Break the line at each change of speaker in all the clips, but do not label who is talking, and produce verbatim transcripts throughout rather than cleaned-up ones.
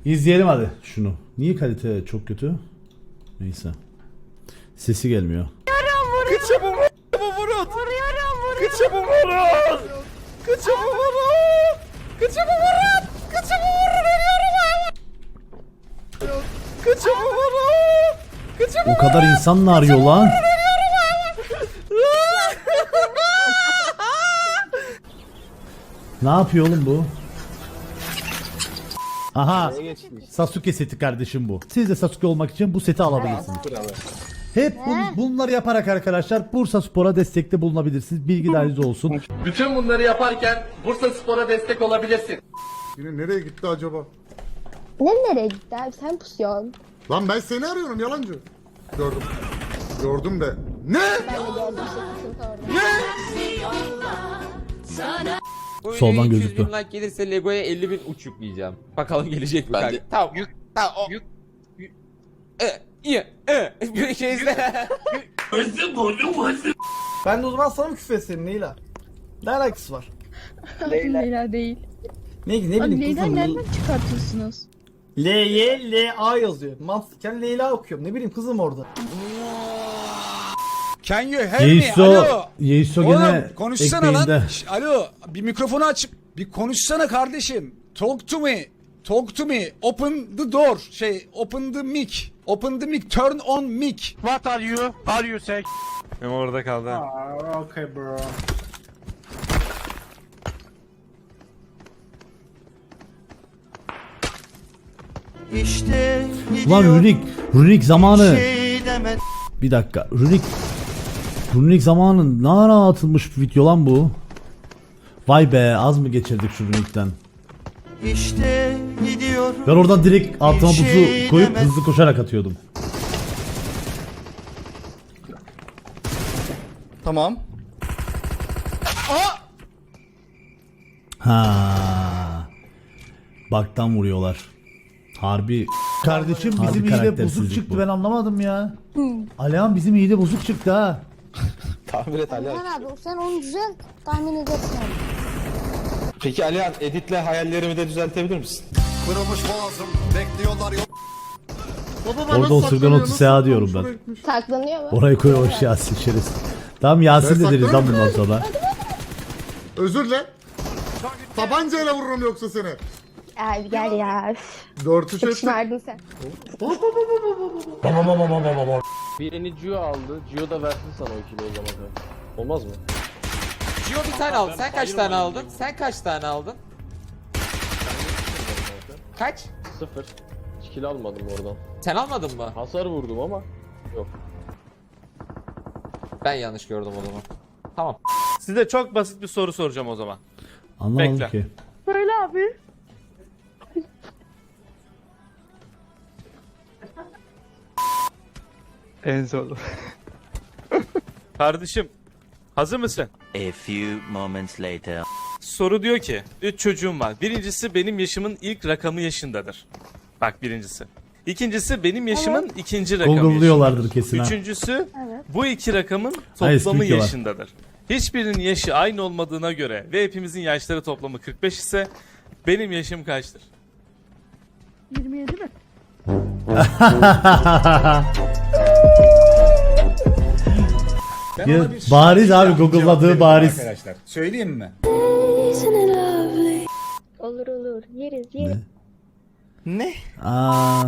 İzleyelim hadi şunu. Niye kalite çok kötü? Neyse. Sesi gelmiyor.
Kıçı bu bu vurun.
Vuruyorum vuruyorum.
Kıçı bu vurun. Kıçı bu vurun. Kıçı bu vurun. Kıçı bu vurun. Ölüyorum. Kıçı bu vurun. Kıçı bu
O kadar insan mı arıyor lan? Ne yapıyor oğlum bu? Aha. Sasuke seti kardeşim bu. Siz de Sasuke olmak için bu seti alabilirsiniz. Hep bun- bunları yaparak arkadaşlar Bursaspor'a destekte bulunabilirsiniz. Bilgi dahiliniz olsun.
Bütün bunları yaparken Bursaspor'a destek olabilirsin.
Yine nereye gitti acaba?
Ne nereye gitti abi sen pusuyorsun.
Lan ben seni arıyorum yalancı. Gördüm. Gördüm de. Ne?
Ben de gördüm işte orada.
Bu
Soldan
videoya iki yüz
gözüktü.
bin like gelirse Lego'ya elli bin uç yükleyeceğim. Bakalım gelecek mi
Ben
kanka?
de-
Tamam.
Yük.
Tamam o.
Yük.
E, iyi. E. Bir şey izle.
Ben de o zaman sana mı küfür etsem Leyla? Ne alakası var?
Leyla. Leyla değil.
Ne, ne
Abi
bileyim
Leyla
kızım.
nereden çıkartıyorsunuz?
L Y L A yazıyor. Mantıken Leyla okuyorum. Ne bileyim kızım orada.
Can you hear me?
Yeiso,
Alo.
Yeiso
Oğlum
gene
konuşsana lan.
ekmeğinde.
Şş, alo bir mikrofonu açıp bir konuşsana kardeşim. Talk to me. Talk to me. Open the door. Şey open the mic. Open the mic. Turn on mic.
What are you? Are you sick?
Benim orada kaldı.
Aa, okay bro.
İşte
Ulan Runik, Runik zamanı. Bir dakika, Runik. Runik zamanı ne ara atılmış bir video lan bu? Vay be, az mı geçirdik şu Runik'ten?
İşte gidiyorum.
Ben oradan direkt altıma
Bir
buzu
şey
koyup
demez.
hızlı koşarak atıyordum.
Tamam.
Ha. Baktan vuruyorlar. Harbi. Kardeşim bizim
Harbi
iyi de
karaktersizlik
bozuk çıktı
bu.
ben anlamadım ya. Alihan bizim iyi de bozuk çıktı ha.
Tahmin et Alihan.
Aman abi sen onu düzelt tahmin edersin abi.
Peki Alihan editle hayallerimi de düzeltebilir misin?
Kırılmış boğazım. Bekliyorlar yok. Baba,
Orada o sırgan otu seha diyorum ben.
Saklanıyor mu?
Orayı koymuş Yasin içeriz. Tamam Yasin de
Ben
deriz lan
saklarım
bundan
ya.
sonra.
Özür dile. Tabancayla vururum yoksa seni.
Abi gel ya. Üf.
Dört üç
Çok
ettik.
şımardın sen.
Birini Gio aldı. Gio da versin sana o ikili o zaman. Olmaz mı?
Gio bir tane aldı. Sen kaç tane aldın? Sen kaç tane aldın? Kaç?
Sıfır. Hiç kill almadım oradan.
Sen almadın mı?
Hasar vurdum ama. Yok.
Ben yanlış gördüm o zaman. Tamam.
Size çok basit bir soru soracağım o zaman.
Anlamadım
Bekle.
ki.
Söyle abi.
En zor. Kardeşim, hazır mısın?
A few moments later.
Soru diyor ki, üç çocuğum var. Birincisi benim yaşımın ilk rakamı yaşındadır. Bak birincisi. İkincisi benim yaşımın ikinci rakamı
Google'lıyorlardır
yaşındadır.
kesin ha.
Üçüncüsü
Evet.
bu iki rakamın
Hayır,
toplamı
sıkıyorlar.
yaşındadır. Hiçbirinin yaşı aynı olmadığına göre ve hepimizin yaşları toplamı kırk beş ise benim yaşım kaçtır?
yirmi yedi mi?
Ya, bariz abi Google'ladığı bariz.
Arkadaşlar söyleyeyim mi?
Olur olur yeriz yeriz.
Ne?
Aa.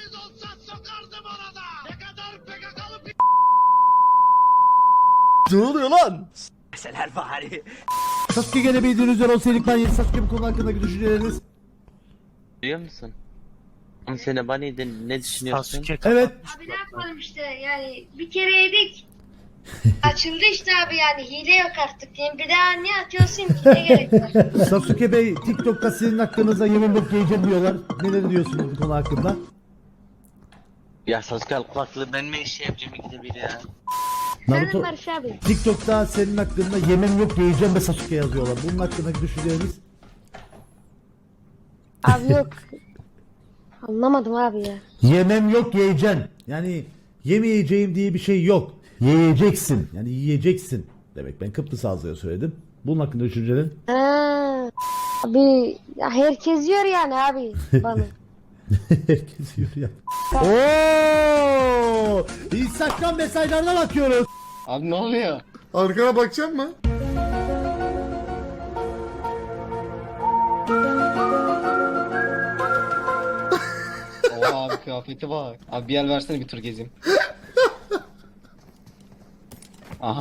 Ne oluyor lan? Meseler bari.
Sasuke gene bildiğiniz üzere o serikman yeni Sasuke bu konu hakkındaki düşünceleriniz.
Duyuyor musun? On sene baniydi ne düşünüyorsun?
Evet.
Abi ne yapalım işte yani bir kere yedik. Açıldı işte abi yani hile yok artık diyeyim. Bir daha niye atıyorsun ki ne gerek var?
Sasuke Bey TikTok'ta sizin hakkınızda yemin bekleyeceğim diyorlar. Neler diyorsunuz bu konu hakkında?
Ya Sasuke al kulaklığı ben mi şey yapacağım ikide bir ya?
Senin
Naruto
Barış abi.
TikTok'ta senin hakkında yemin yok yiyeceğim ve Sasuke yazıyorlar. Bunun hakkındaki düşünceleriniz?
Abi yok. Anlamadım abi ya.
Yemem yok yiyeceksin. Yani yemeyeceğim diye bir şey yok. Yiyeceksin. Yani yiyeceksin. Demek ben Kıbrıs ağzıyla söyledim. Bunun hakkında düşüncelerin?
Ha. Abi ya herkes yiyor yani abi bana.
Herkes yürüyor. Oo! Instagram mesajlarına bakıyoruz.
Abi ne oluyor?
Arkana bakacak mı?
Oha abi kıyafeti bak. Abi bir el versene bir tur gezeyim. Aha.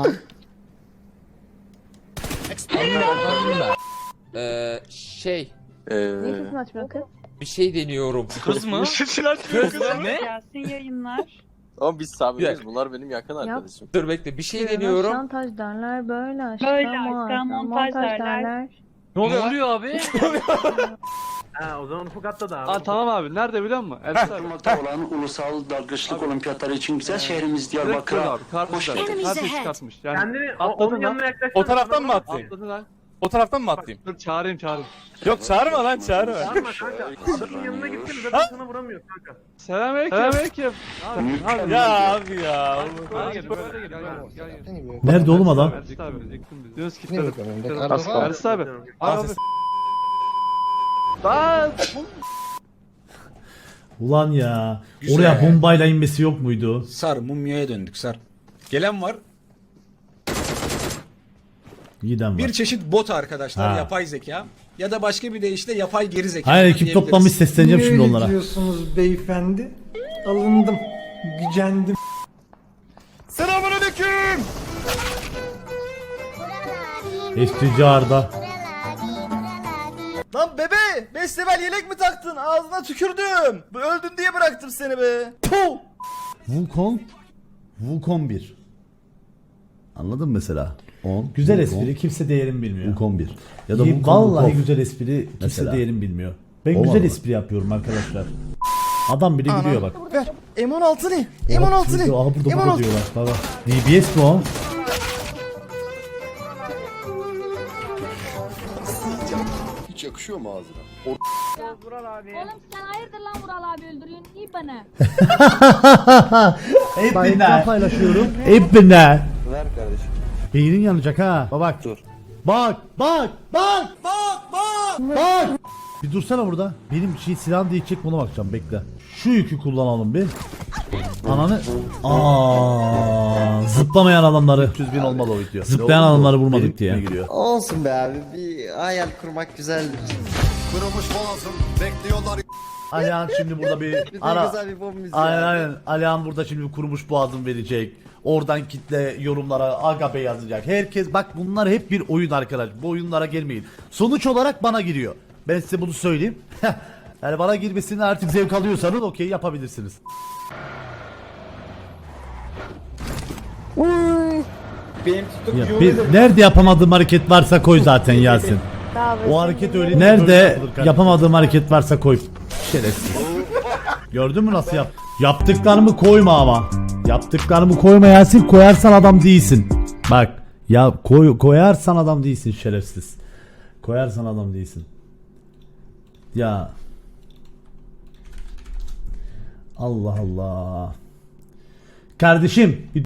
Eee şey
Niye sesini açmıyor kız?
bir şey deniyorum.
Kız mı?
Kız ne?
Gelsin yayınlar.
Ama biz sabitiz.
Bir
Bunlar benim yakın arkadaşım.
Dur bekle bir şey deniyorum.
Şantaj derler böyle aşkta
Böyle
ama
aşkta montaj derler.
Ne oluyor abi?
Ha o zaman Ufuk atladı abi.
Aa, tamam abi. Nerede biliyor musun? Elbise abi.
olan ulusal dalgıçlık olimpiyatları için güzel şehrimiz
Direkt abi. Karpuzlar. Karpuz çıkartmış. Yani
Kendini
atladın lan. O taraftan mı atlayayım?
Atladı lan.
O taraftan mı atlayayım? Dur çağırayım çağırayım. Yok çağırma lan çağırma.
Çağırma kanka. Adamın yanına gittin zaten sana vuramıyor kanka.
Selamünaleyküm. Selamünaleyküm. Ya abi ya.
Nerede oğlum adam?
Ersin abi. Yunus gitti. Ersin abi. Abi. Lan.
Ulan ya.
Güzel.
Oraya bombayla inmesi yok muydu?
Sar mumyaya döndük sar. Gelen var.
Giden var.
Bir çeşit bot arkadaşlar,
Ha.
yapay zeka. Ya da başka bir deyişle yapay geri zeka.
Hayır ekip
diyebiliriz.
toplanmış, sesleneceğim şimdi onlara.
diyorsunuz beyefendi? Alındım. Gücendim.
Selamünaleyküm.
Eskici Arda.
Lan bebe beş level yelek mi taktın? Ağzına tükürdüm. Öldün diye bıraktım seni be. Puh.
Wukong. Wukong bir. Anladın mı mesela? on. Güzel espri, kimse değerini bilmiyor. Wukong bir. Ya da Wukong, vallahi Wukong. Güzel espri, kimse mesela değerini bilmiyor. Ben
Olmadı
güzel
mı?
espri yapıyorum arkadaşlar. Adam bile gülüyor bak.
Ver. M on altı ne? M on altı ne?
Aha burada
M on
burada
altı.
diyorlar. Baba. D B S mi o?
Hiç yakışıyor mu ağzına?
Oğlum sen hayırdır lan Vural abi öldürüyorsun iyi bana.
Hepine paylaşıyorum. Hepine.
Ver kardeşim.
Beynin yanacak ha. Bak bak. Dur. Bak bak bak bak bak bak. Bir dursana burada. Benim şey silahım değişecek, buna bakacağım, bekle. Şu yükü kullanalım bir. Ananı. Aa, zıplamayan adamları. üç yüz bin olmalı o video. Zıplayan adamları vurmadık diye.
Olsun be abi. Bir hayal kurmak güzeldir.
Kırılmış boğazım. Bekliyorlar.
Alihan şimdi burada bir ara.
bir bomba müziği.
Aynen aynen. Alihan burada şimdi bir kurumuş boğazım verecek. Oradan kitle yorumlara Agape yazacak. Herkes bak, bunlar hep bir oyun arkadaş. Bu oyunlara gelmeyin. Sonuç olarak bana giriyor. Ben size bunu söyleyeyim. Yani bana girmesini artık zevk alıyorsanız okey yapabilirsiniz.
Benim TikTok
Ya,
videomu
bir,
da-
nerede yapamadığım hareket varsa koy zaten Yasin. O hareket öyle. Nerede yapamadığım hareket varsa koy. Şerefsiz. Gördün mü nasıl yap? Yaptıklarımı koyma ama. Yaptıklarımı koyma Yasin, koyarsan adam değilsin. Bak ya, koy, koyarsan adam değilsin şerefsiz. Koyarsan adam değilsin. Ya. Allah Allah. Kardeşim bir